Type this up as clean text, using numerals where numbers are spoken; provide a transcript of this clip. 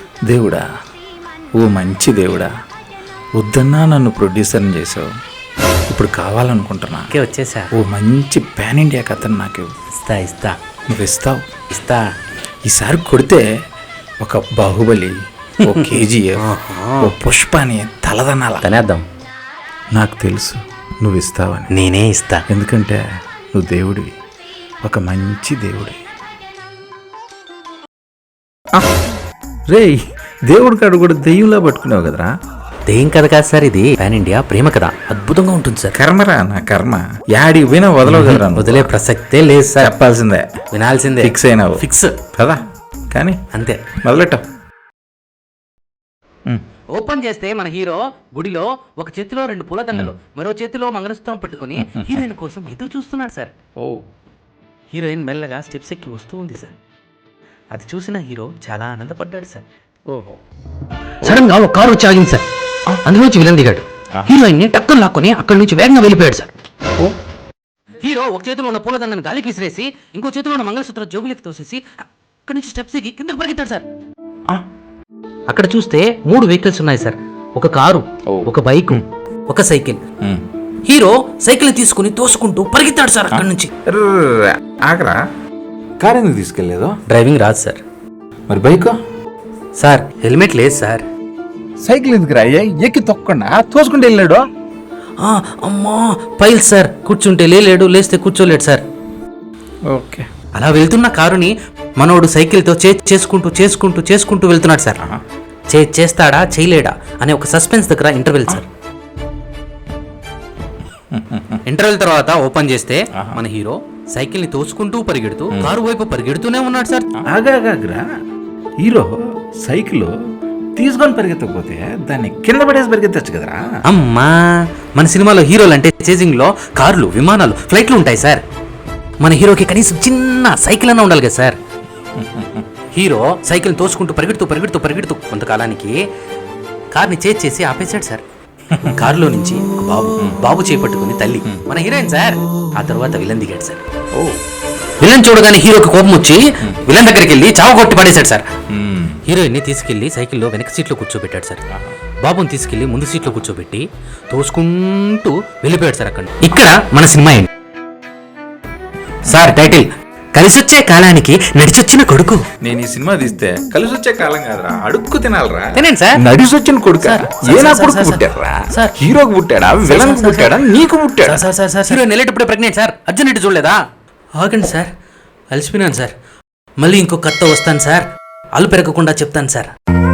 దేవుడా, ఓ మంచి దేవుడా, వద్దన్నా నన్ను ప్రొడ్యూసర్ని చేసావు. ఇప్పుడు కావాలనుకుంటున్నా. ఓకే, వచ్చేసా. ఓ మంచి పాన్ ఇండియా కథను నాకు ఇస్తా. నువ్వు ఇస్తావు. ఇస్తా. ఈసారి కొడితే ఒక బాహుబలి, ఓ కేజీఎఫ్, ఓ పుష్పాని తలదనాల తనేద్దాం. నాకు తెలుసు నువ్వు ఇస్తావని. నేనే ఇస్తా. ఎందుకంటే నువ్వు దేవుడివి, ఒక మంచి దేవుడివి. రేయ్, దేవుడి కాడు కూడా దెయ్యంలా పట్టుకున్నావు కదరా. దెయ్యం కథ కాదు సార్, ఇది పాన్ ఇండియా ప్రేమ కథ. అద్భుతంగా ఉంటుంది సార్. కర్మరా నా కర్మ, యాడికి పోయినా వదలవు కదరా. వదిలే ప్రసక్తే లేదు సార్. చెప్పాల్సిందే, వినాల్సిందే. ఫిక్స్ అయినావు. ఫిక్స్ కదా, కానీ అంతే. మొదలెట్టావు. ఓపెన్ చేస్తే మన హీరో గుడిలో ఒక చేతిలో 2 పూలదండలు, మరో చేతిలో మంగళసూత్రం పెట్టుకుని హీరోయిన్ కోసం ఎదురు చూస్తున్నాడు సార్. హీరోయిన్ మెల్లగా స్టెప్స్ ఎక్కి వస్తూ ఉంది సార్. అది చూసిన హీరో చాలా ఆనందపడ్డాడు సార్. సడన్ గా ఒక కారు వచ్చి ఆగింది సార్. అందులోంచి విలన్ దిగాడు. హీరోయిన్ ని టక్కన లాక్కొని అక్కడి నుంచి వేగంగా వెళ్ళిపోయాడు సార్. హీరో ఒక చేతిలో ఉన్న పూలదండను గాలికి విసిరేసి ఇంకో చేతిలో ఉన్న మంగళసూత్రం జోబులకి తోసేసి అక్కడి నుంచి స్టెప్స్ ఎక్కి కిందకు పరిగెత్తాడు సార్. అక్కడ చూస్తే 3 వెహికల్స్ ఉన్నాయి సార్. ఒక కారు, ఒక బైక్, ఒక సైకిల్. హీరో సైకిల్ తీసుకుని తోసుకుంటూ పరిగెత్తాడు సార్ అక్కడి నుంచి. ఆగరా, కార్ ఎందుకు తీసుకెళ్ళలేదు? డ్రైవింగ్ రాదు సార్. మరి బైక్ సార్, హెల్మెట్ లేదు సార్. సైకిల్ ఎందుకు రా, ఎక్కి తొక్కకుండా తోసుకుంటూ వెళ్ళాడు. అమ్మా పైల్ సార్, కూర్చుంటే లేలేడు, లేస్తే కూర్చోలేడు సార్. ఓకే, అలా వెళ్తున్న కారుని మనోడు సైకిల్తో చేసుకుంటూ వెళ్తున్నాడు సార్. చేస్తాడా చేయలేడా అనే ఒక సస్పెన్స్ దగ్గర ఇంటర్వెల్ సార్. ఇంటర్వెల్ తర్వాత ఓపెన్ చేస్తే మన హీరో సైకిల్ ని తోసుకుంటూ పరిగెడుతూ కారు వైపు పరిగెడుతూనే ఉన్నాడు సార్. ఆగాగ్రా, హీరో సైకిల్ తీసుకొని పరిగెత్తకపోతే దాన్ని కింద పడేసి పరిగెత్తచ్చు కదరా. అమ్మా, మన సినిమాలో హీరోలు అంటే చేజింగ్ లో కార్లు, విమానాలు, ఫ్లైట్లు ఉంటాయి సార్. మన హీరోకి కనీసం చిన్న సైకిల్ అన్నా ఉండాలి కదా సార్. హీరో సైకిల్ తోసుకుంటూ పరిగెడుతూ కొంతకాలానికి కార్ని చేసి ఆపేశాడు సార్. కారులో నుంచి బాబు చేపట్టుకుని తల్లి మన హీరోయిన్ సార్. ఆ తర్వాత విలన్ దిగాడు సార్. విలన్ చూడగానే హీరోకి కోపం వచ్చి విలన్ దగ్గరికి వెళ్ళి చావ కొట్టి పడేశాడు సార్. హీరోయిన్ ని తీసుకెళ్లి సైకిల్లో వెనక సీట్లో కూర్చోబెట్టాడు సార్. బాబుని తీసుకెళ్లి ముందు సీట్లో కూర్చోబెట్టి తోసుకుంటూ వెళ్ళిపోయాడు సార్. అక్కడ ఇక్కడ మన సినిమా ఏంటి సార్? టైటిల్ కలిసొచ్చే కాలానికి నడిచొచ్చిన కొడుకు. నేను ఈ సినిమా తీస్తే కలిసి వచ్చే కాలం కాదురా, అడుక్కు తినాలరా. తినండి సార్. నడిచొచ్చిన కొడుకు. ఏనా కొడుకు పుట్టారా? హీరోకి పుట్టాడా, విలన్ పుట్టాడా, నీకు పుట్టాడా? హీరో వెళ్ళేటప్పుడే ప్రెగ్నెంట్ సార్. అర్జున్ రెడ్డి చూడలేదా? ఆగండి సార్, అలసిపోయినాను సార్. మళ్ళీ ఇంకో కథ వస్తాను సార్. అల్లు పెరగకుండా చెప్తాను సార్.